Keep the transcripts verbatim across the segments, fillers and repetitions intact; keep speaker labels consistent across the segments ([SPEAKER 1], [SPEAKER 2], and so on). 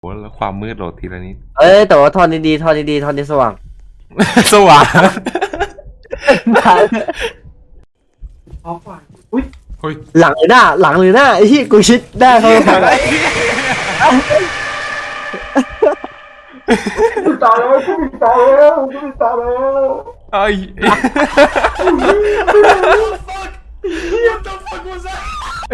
[SPEAKER 1] โหแล้วความมืดโหลดทีละนิด
[SPEAKER 2] เอ้ยแต่ว่าทอนดีๆทอนดีๆทอนดีสว่าง
[SPEAKER 1] สว่าง
[SPEAKER 3] ออกก่อนอุ้ย
[SPEAKER 1] เฮ้ย
[SPEAKER 2] หลังหรือหน้าหลังหรือหน้าไอ้ที่กูชิดหน้าเขาฝั่ง
[SPEAKER 3] กูตายแล้วกูตายแล้วกูตายแล้ว
[SPEAKER 1] ไอ้ ไอ้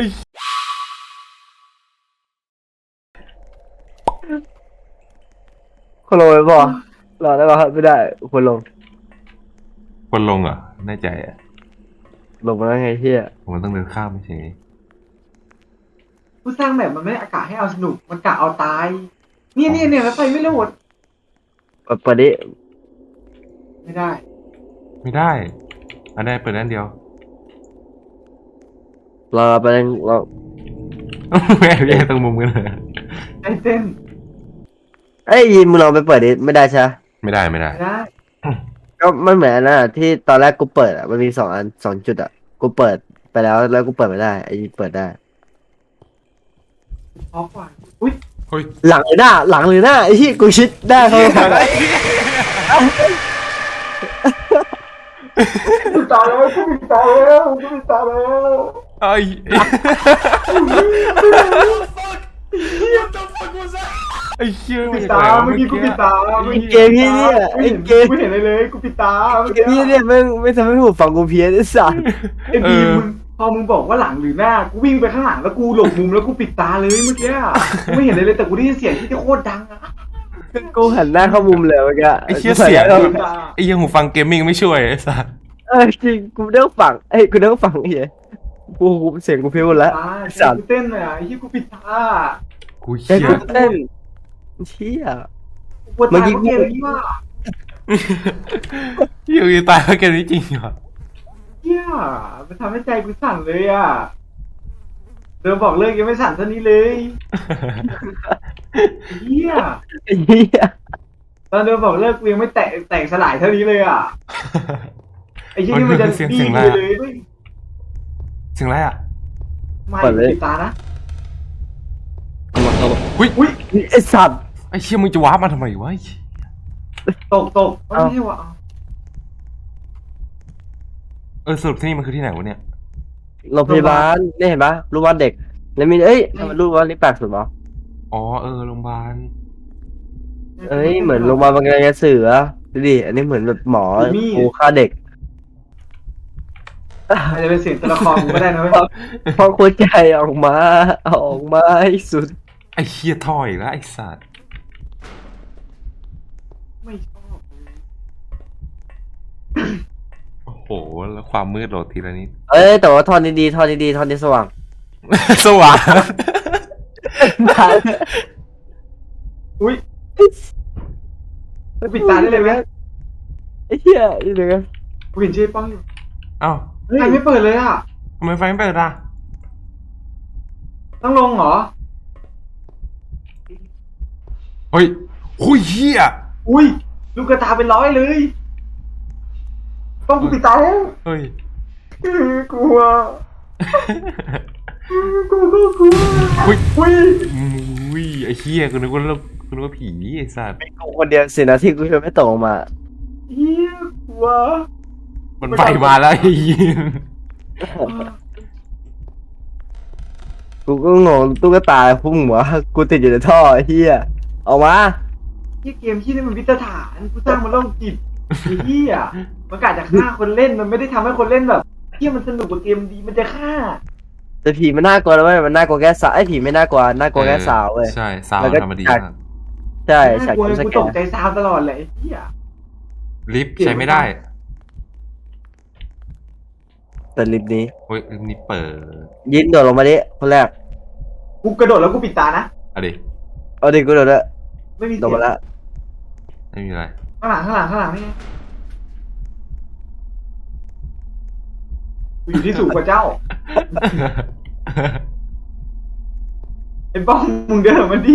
[SPEAKER 2] คนลงไปป่ะรอได้ป่ะไม่ได้คนลง
[SPEAKER 1] คนลงเหรอแน่ใจอ่ะ
[SPEAKER 2] ลงมาแล้วไงเฮีย
[SPEAKER 1] ผมต้องเดินข้ามไม่ใช่
[SPEAKER 3] ผู้สร้างแบบมันไม่ได้อากาศให้เอาสนุกมันกะเอาตายเนี่ยเนี่ยเนี่ยแล้วไฟไม่โหลด
[SPEAKER 2] เปิดเปิดดิ
[SPEAKER 3] ไม่ได้
[SPEAKER 1] ไม่ได้อันได้เปิดนั่นเดียว
[SPEAKER 2] รอไปเล่นรอ
[SPEAKER 1] แม่แย่ตรงมุมกันเลย
[SPEAKER 3] ไอ้เต้น
[SPEAKER 2] ไอ้ยยินมึงลองไปเปิดดิไม่ได้ใช่ไหม
[SPEAKER 1] ไม่ได้ไม่ได้
[SPEAKER 3] ไม่ได้
[SPEAKER 2] ก็มันเหมือนอันนะที่ตอนแรกกูเปิดอ่ะมันมีสองอันสองจุดอ่ะกูเปิดไปแล้วแล้วกูเปิดไม่ได้ไอ้ยินเปิดได้
[SPEAKER 3] ออกก่อนอุ้ย
[SPEAKER 1] เฮ้ย
[SPEAKER 2] หลังหรือหน้าหลังหรือหน้าไอ้ที่กูชิดหน้าเขาฝั่ง
[SPEAKER 3] กูตายแล้วกูตายแล้วกูตายแล้ว
[SPEAKER 1] ไอ้ไอ้เชี่ย
[SPEAKER 3] ปิดตาเมื่อกี้กูปิดตา
[SPEAKER 2] ไอ้เกมพี่เนี่ยไอ้เกม
[SPEAKER 3] กูเห็นอะไรเลยกูปิดตาเมื่อ
[SPEAKER 2] เก
[SPEAKER 3] กี้
[SPEAKER 2] มพี่เนี่ยไม่ไม่ทำให้หูฟังกูเพี้ยนไอ้สัส
[SPEAKER 3] ไอ้บีมมึงพอมึงบอกว่าหลังหรือหน้ากูวิ่งไปข้างหลังแล้วกูหลบมุมแล้วกูปิดตาเลยเมื่อกี้กูไม่เห็นอะไรเลยแต่กูได้ยินเสียงที่โคตรดังอะ
[SPEAKER 2] กูหันหน้าเข้ามุมเลยเมื่อกี้
[SPEAKER 1] ไอ้เชี่ยเสียงไอ้ยังหูฟังเกมมิ่งไม่ช่วยไอ้สัส
[SPEAKER 2] เออจริงกูเลิกฟังเอ้ยกูเลิกฟังไอ้เหี้ยกูกูเสียงกูเพี้ยนหมดแล้ว
[SPEAKER 3] ตา
[SPEAKER 2] สัส
[SPEAKER 3] กูเต้นเลยอ่ะไอ้ที่กูปิดตา
[SPEAKER 1] กู
[SPEAKER 2] ใจ
[SPEAKER 1] เชี่ย
[SPEAKER 2] กูเต้นเชี่ย
[SPEAKER 3] ปวดตาเพราะเกมนี้ว่า
[SPEAKER 1] อยู่ตายเพราะเกมนี้จริงเหรอ
[SPEAKER 3] เฮียมันทำให้ใจกูสั่นเลยอ่ะเดิมบอกเลิกยังไม่สั่นเท่านี้เลยเฮีย
[SPEAKER 2] ไอ้เหี้ย
[SPEAKER 3] ตอนเดิมบอกเลิกกูยังไม่แตกแตกสลายเท่านี้เลยอ่ะไอ้ที่นี่มันจะ
[SPEAKER 1] เสียง
[SPEAKER 3] ดี
[SPEAKER 1] เสียงอะไร
[SPEAKER 3] เลย
[SPEAKER 1] อะ
[SPEAKER 3] เลย
[SPEAKER 1] เสียงอะไรอ่ะ
[SPEAKER 3] ไม่ปิดตานะ
[SPEAKER 2] เอามาเอามา
[SPEAKER 1] อุ้ย
[SPEAKER 3] อุ้ย
[SPEAKER 2] ไอ้สัตว์
[SPEAKER 1] ไอ้เชี่ยมึงจะวาร์ปมาทำไมวะ
[SPEAKER 3] ตกตกไม่ใช่ว่ะ
[SPEAKER 1] เออสรุปที่นี่มันคือที่ไหนวะเนี่ย
[SPEAKER 2] โรงพยาบาลนี่เห็นปะรูปวาดเด็กแล้วมีเอ้ยทำไมรูปวาดนี่แปลกสุดวะ
[SPEAKER 1] อ๋อเออโรงพยาบาล
[SPEAKER 2] เอ้ยเหมือนโรงพยาบาลบางกระเสือดูดิอันนี้เหมือนแบบหมอกูฆ่าเด็ก
[SPEAKER 3] อาจจะเป็นเสียงตัวละครกูก็ได้นะเว้ย
[SPEAKER 2] พอหัวใจออกมาออกมาให้สุด
[SPEAKER 1] ไอ้เชี่ยท่ออีกแล้วไอ้สัตว์
[SPEAKER 3] ไม่ชอบเลย
[SPEAKER 1] โอ้โหแล้วความมืดโหลดทีละนิด
[SPEAKER 2] เอ้ยแต่ว่าทอนดีๆทอนดีๆทอนดีสว่าง
[SPEAKER 1] สว่าง
[SPEAKER 3] อุ้ยปิดตาได้เลยไหม
[SPEAKER 2] ไอ้เหี้ยนี่เลย
[SPEAKER 3] กูเห็นชื่อป้องอยู่
[SPEAKER 1] เอ้า
[SPEAKER 3] ใครไม่เปิดเลยอ่ะ
[SPEAKER 1] ทำไมไฟไม่เปิดอ่ะ
[SPEAKER 3] ต้องลงเหรอ
[SPEAKER 1] เฮ้ยหุยเฮีย
[SPEAKER 3] อุ้ยลูกกระตาเป็นร้อยเลยต้องกูปิดตาแล้ว
[SPEAKER 1] เฮ้ย
[SPEAKER 3] กลัวกูก็กลัว
[SPEAKER 1] อุ้ย
[SPEAKER 3] อุ้ย
[SPEAKER 1] อุ้ยไอ้เฮียกูนึกว่าเรากูนึกว่าผีไอ้สัตว์
[SPEAKER 2] กูคนเดียวสินะที่กูช่วยไม่ตกออกมา
[SPEAKER 3] เฮียกลัว
[SPEAKER 1] มันไฟมาแล้วไอ้เหี้ย
[SPEAKER 2] กูก็งงตุ๊กตาพุ่งหัวกูติดอยู่ในท่อไอ้เหี้ยออกมา
[SPEAKER 3] เฮียเกมที่นี่มันวิตฐานกูสร้างมันโรคจิตไอ้เฮียมันกะจะฆ่าคนเล่นมันไม่ได้ทำให้คนเล่นแบบเฮียมันสนุกกว่าเกมดีมันจะฆ่า
[SPEAKER 2] แต่ผีมันน่ากลัวนะเว้ยมันน่ากลัวแค่สาวไอ้ผีไม่น่ากลัวน่ากลัวแค่สาวเว้ย
[SPEAKER 1] ใช่สาว
[SPEAKER 2] แล้วก็
[SPEAKER 1] ธรรมดี
[SPEAKER 2] จาก
[SPEAKER 1] มาก
[SPEAKER 2] ใช่ฉาก
[SPEAKER 3] กลัว
[SPEAKER 2] จำส
[SPEAKER 3] กู
[SPEAKER 2] แก
[SPEAKER 3] ตก
[SPEAKER 2] น
[SPEAKER 3] ใจซาวตลอดเลยไอ้เฮีย
[SPEAKER 1] ลิฟต์ใช้ไม่ได้
[SPEAKER 2] แต่ลิฟต์นี้
[SPEAKER 1] เฮ้ยลิฟต์นี้เปิด
[SPEAKER 2] ยินโดดลงมาดิคนแรก
[SPEAKER 3] กูกระโดดแล้วกูปิดตานะ
[SPEAKER 1] อะดิ
[SPEAKER 2] เอาดิกูโดดแล้ว
[SPEAKER 3] ไม่มี
[SPEAKER 2] โด
[SPEAKER 3] เสี
[SPEAKER 2] ด
[SPEAKER 3] ยง
[SPEAKER 2] มาแล้ว
[SPEAKER 1] ไม่มีอะไร
[SPEAKER 3] ข้างหลังข้างหลังข้างหลังนี่ไงกูอยู่ที่สูงกว่าเจ้าไอ้ป้องมึงเดินมาดิ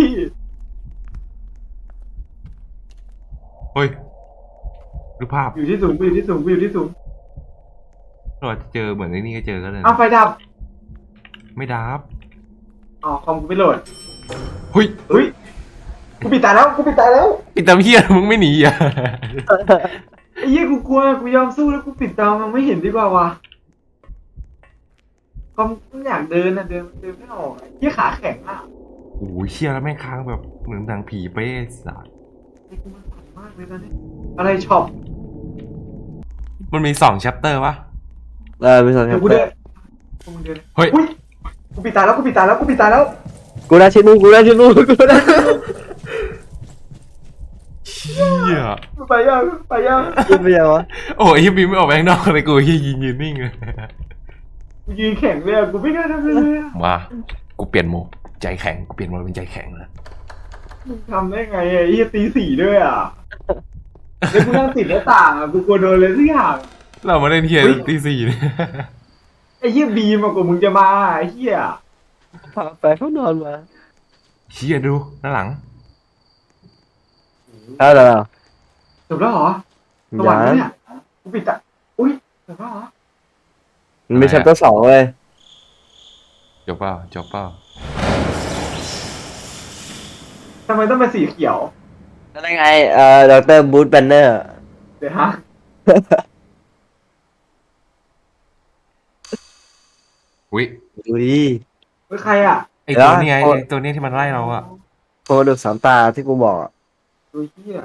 [SPEAKER 1] เฮ้ยดูภาพ
[SPEAKER 3] อยู่ที่สูงกูอยู่ที่สูงกูอยู่ที่สูง
[SPEAKER 1] เราอาจจะเจอเหมือนไอ้นี่ก็เจอก็เลย
[SPEAKER 3] เอาไฟดับ
[SPEAKER 1] ไม่ดับ
[SPEAKER 3] อ๋อคอมกูไม่โหลด
[SPEAKER 1] เฮ้ย
[SPEAKER 3] เฮ้ยกูปิดตาแล้วกูปิดตาแล้ว
[SPEAKER 1] ปิดตามเฮียมึงไม่หนีอ่ะ
[SPEAKER 3] ไอ้เหี้ยกูกลัวกูยอมสู้แล้วกูปิดตามันไม่เห็นดีกว่าวะก็ไม่อยากเดินนะเดินเดินไม่ออกไอ้เหี้ยขาแข็งอ่ะ
[SPEAKER 1] โอ้ยเชี่ยแล้วแม่งค้างแบบเหมือนหนังผีเป๊ะสัส
[SPEAKER 3] ไอ้กูมันสั่นมากเลยตอนนี้อะไรช็อป
[SPEAKER 1] มันมีสองแชปเตอร์ปะ
[SPEAKER 2] เออมีสองแช
[SPEAKER 3] เดี๋ย
[SPEAKER 2] ป
[SPEAKER 3] วกู
[SPEAKER 2] เตอ
[SPEAKER 3] เดิน
[SPEAKER 2] ร์
[SPEAKER 3] กูมึงเดิน
[SPEAKER 1] เฮ้ย
[SPEAKER 3] อุ้ยกูปิดตาแล้วกูปิดตาแล้วกูปิดตาแล้ว
[SPEAKER 2] กูได้ชิ้นนู้นกูได้ชิ้นนู้นกูได้ชิ้นนู้น
[SPEAKER 1] เชี่ย
[SPEAKER 3] ไปยังไปยัง
[SPEAKER 2] กินไปยังวะ
[SPEAKER 1] โอ้ยเฮียบีมไม่ออกไปข้างนอกเลยกูเฮียยืนยืนนิ่งเลย
[SPEAKER 3] กูยืนแข็งเลยอะกูไม่กล้าทำเลยอะ
[SPEAKER 1] มากูเปลี่ยนโหมดใจแข็งกูเปลี่ยนโหมดเป็นใจแข็งแล้ว
[SPEAKER 3] มึงทำได้ไงอะไอ้เหี้ยตีสี่ด้วยอ่ะแล้วกูนั่งติดหน้าต่างอ่ะกูกลัวโดนเลยทุกอย่าง
[SPEAKER 1] เรามาเล่นเฮียตีสี่เนี่ย
[SPEAKER 3] ไอ้เหี้ยบีมอะกว่ามึงจะมาไอ้เหี้ย
[SPEAKER 2] พาไปเขานอนมา
[SPEAKER 1] เฮียดูด้านหลัง
[SPEAKER 2] เอาแล้ว
[SPEAKER 3] จบแล้วเหรอสวรรค์ปะเนี่ยกูปิดตาอุ้ยจบแล้วเหรอ
[SPEAKER 2] มันมีแชปเตอร์สองเลย
[SPEAKER 1] จบเปล่าจบเปล่า
[SPEAKER 3] ทำไมต้องเป็นสีเขียว
[SPEAKER 2] แล้วไงเอ่อดรบูธแบนเนอร์
[SPEAKER 3] เดี๋ยวฮะ
[SPEAKER 1] อุ้ย
[SPEAKER 2] ดูดิ
[SPEAKER 3] เฮ้ยใครอ่ะ
[SPEAKER 1] ไอตัว
[SPEAKER 2] เดี๋ยว
[SPEAKER 1] นี้ไง
[SPEAKER 2] โอ้ย
[SPEAKER 1] ไอ้ตัวนี้ที่มันไล่เราอะ
[SPEAKER 2] โคกระดูกสามตาที่กูบอกอะ
[SPEAKER 3] ดูเหี้ย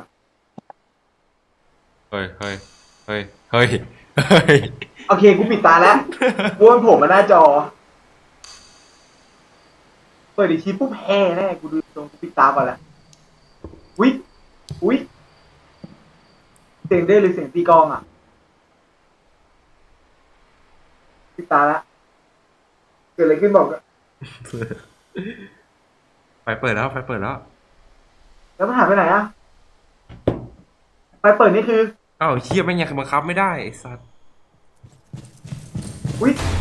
[SPEAKER 1] เฮ้ยเฮ้ยเฮ้ยเฮ้ยเฮ้ย
[SPEAKER 3] โอเคกูปิดตาแล้วกูวนผมมาหน้าจอเปิดอีกทีปุ๊บแห่แน่กูดูตรงกูปิดตาก่อนละอุ้ยอุ้ยเสียงเด้หรือเสียงตีกลองอ่ะปิดตาละเกิดอะไรขึ้นบอกอะ
[SPEAKER 1] ไฟเปิดแล้วไฟเปิดแล้ว
[SPEAKER 3] แล้วมันหายไปไหนอ่ะไปเปิดนี่คือ
[SPEAKER 1] อ้าวเฮียแม่งยังบังคับไม่ได้ไอ้สัส
[SPEAKER 3] อุ้ย